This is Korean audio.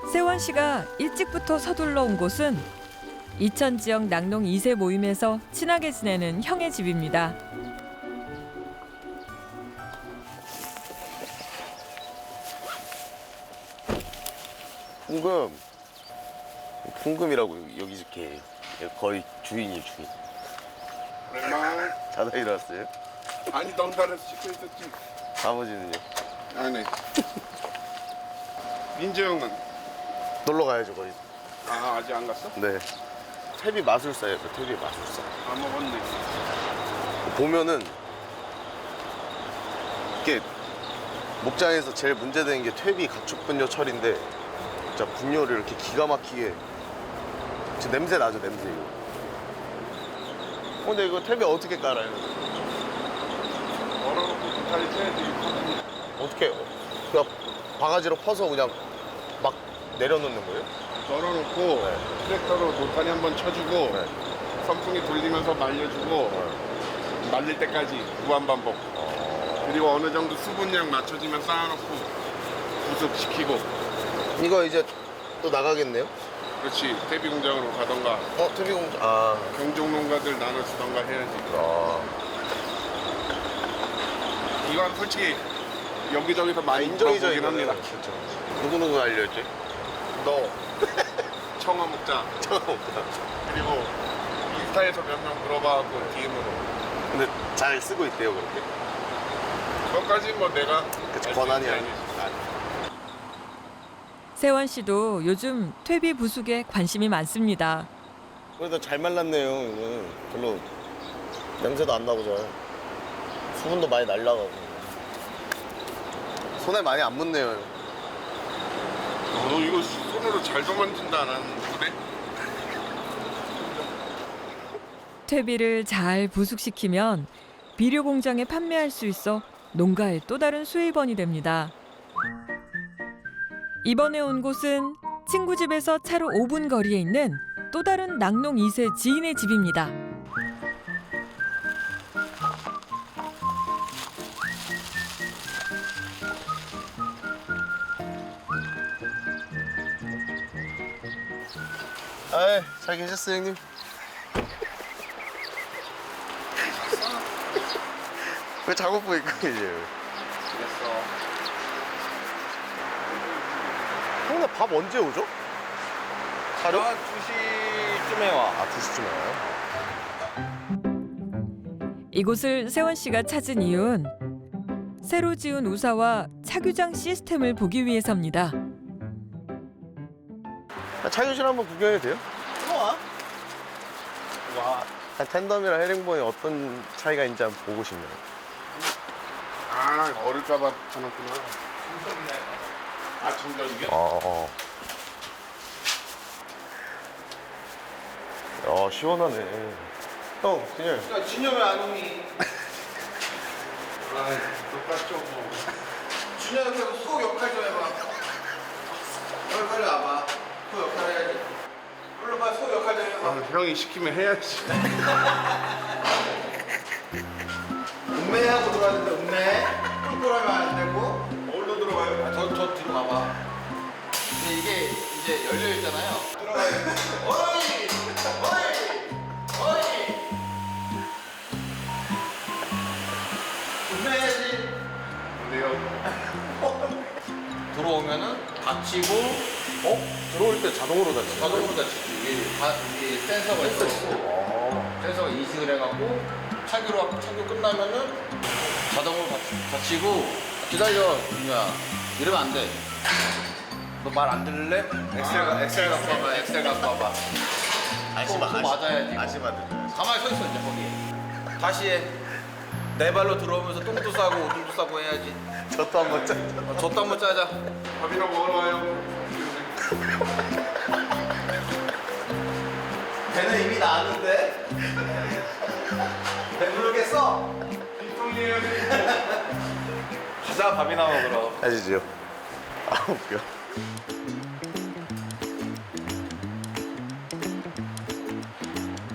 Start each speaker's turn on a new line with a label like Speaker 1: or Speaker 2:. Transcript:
Speaker 1: 세원 씨가 일찍부터 서둘러 온 곳은 이천 지역 낙농 2세 모임에서 친하게 지내는 형의 집입니다.
Speaker 2: 풍금이라고 여기 이렇게 거의 주인이 주인.
Speaker 3: 오랜만.
Speaker 2: 자다 일어났어요?
Speaker 3: 아니 덩달아서 씻고 있었지.
Speaker 2: 아버지는요?
Speaker 3: 안 해. 민재 형은?
Speaker 2: 놀러 가야죠 거의.
Speaker 3: 아 아직 안 갔어?
Speaker 2: 네. 퇴비 마술사예요. 그 퇴비 마술사.
Speaker 3: 안 먹었네.
Speaker 2: 보면은 이게 목장에서 제일 문제되는 게 퇴비 가축 분뇨 처리인데 진짜 분뇨를 이렇게 기가 막히게 진짜 냄새 나죠 냄새 이거. 근데 이거 퇴비 어떻게 깔아요?
Speaker 3: 얼어놓고 도타리 쳐야지.
Speaker 2: 어떻게 그냥 바가지로 퍼서 그냥 막 내려놓는 거예요?
Speaker 3: 널어놓고
Speaker 2: 네.
Speaker 3: 트랙터로 도타리 한번 쳐주고
Speaker 2: 네.
Speaker 3: 선풍기 돌리면서 말려주고 말릴 때까지 무한반복. 그리고 어느 정도 수분량 맞춰지면 쌓아놓고 부습시키고.
Speaker 2: 이거 이제 또 나가겠네요?
Speaker 3: 그렇지. 퇴비 공장으로 가던가
Speaker 2: 퇴비 공장. 아.
Speaker 3: 경종 농가들 나눠주던가 해야지.
Speaker 2: 아.
Speaker 3: 이건 솔직히 여기저기서 많이
Speaker 2: 인정이죠
Speaker 3: 물어보긴 합니다.
Speaker 2: 그렇죠. 누구 알려줬지?
Speaker 3: 너 청어 먹자.
Speaker 2: 처음 없다.
Speaker 3: 그리고 인스타에서 몇 명 물어봐갖고 DM으로.
Speaker 2: 근데 잘 쓰고 있대요 그렇게.
Speaker 3: 그것까지 뭐 내가
Speaker 2: 그치,
Speaker 3: 알수
Speaker 2: 권한이
Speaker 3: 있는 게
Speaker 2: 아니지.
Speaker 3: 아니지.
Speaker 1: 세원 씨도 요즘 퇴비 부숙에 관심이 많습니다.
Speaker 2: 그래도 잘 말랐네요 이거는. 별로 냄새도 안 나고 잘. 수분도 많이 날라가고. 손에 많이 안 묻네요.
Speaker 3: 너 이거 손으로 잘도 만진다 안 하는 그래?
Speaker 1: 퇴비를 잘 부숙시키면 비료 공장에 판매할 수 있어 농가의 또 다른 수입원이 됩니다. 이번에 온 곳은 친구 집에서 차로 5분 거리에 있는 또 다른 낙농 2세 지인의 집입니다.
Speaker 2: 아이, 잘 계셨어요 형님? 왜 작업복 입고 계세요?
Speaker 3: 그랬어.
Speaker 2: 형, 나 밥 언제 오죠? 자료?
Speaker 3: 2시쯤에 와.
Speaker 2: 아, 2시쯤에 와요?
Speaker 1: 이곳을 세원 씨가 찾은 이유는 새로 지은 우사와 차규장 시스템을 보기 위해서입니다.
Speaker 2: 차교실 한번 구경해도 돼요? 와. 텐덤이랑 헤링본이 어떤 차이가 있는지 한번 보고 싶네요.
Speaker 3: 아 어릴까봐 쳐놨구나. 아 충전이게?
Speaker 2: 야, 시원하네. 형, 진열.
Speaker 3: 야 진영 왜안 오니? 아 똑같죠 뭐.
Speaker 4: 준혁이 형 소 역할 좀 해봐. 빨리 와봐. 소 역할 해야지. 물론 빨리 소 역할 좀 해봐.
Speaker 3: 아, 형이 시키면 해야지.
Speaker 4: 음매하고 들어가야 된다. 음매. 꿀꿀하면 안 되고.
Speaker 3: 어디로 들어가요?
Speaker 4: 아, 저 뒤로 가봐. 근데 이게 이제 열려 있잖아요. 들어가야 돼. 어이, 어이, 어이. 음매해야지.
Speaker 3: 근데요.
Speaker 4: 들어오면은 닫히고.
Speaker 2: 들어올 때 자동으로 닫히죠?
Speaker 4: 자동으로 닫히지. 이게 센서가 있어. 센서가 인식을 해갖고 착유 끝나면은 자동으로 닫히고. 기다려, 준우야. 이러면 안 돼. 너 말 안 들을래? 엑셀 갖고 와봐. 엑셀 갖고 와봐. 또 맞아야지.
Speaker 2: 아시마 들려요.
Speaker 4: 가만히 서 있어 이제 거기. 다시 해. 내 발로 들어오면서 똥도 싸고 오줌도 싸고 해야지.
Speaker 2: 저도 한번 짜.
Speaker 4: 젖도 한번 짜자.
Speaker 3: 밥이나 먹으러 와요.
Speaker 4: 배는 이미 나왔는데. 배부르겠어?
Speaker 3: 뒷동리해야 돼.
Speaker 4: 가자 밥이나 먹으러.
Speaker 2: 하시죠. 아, 웃겨.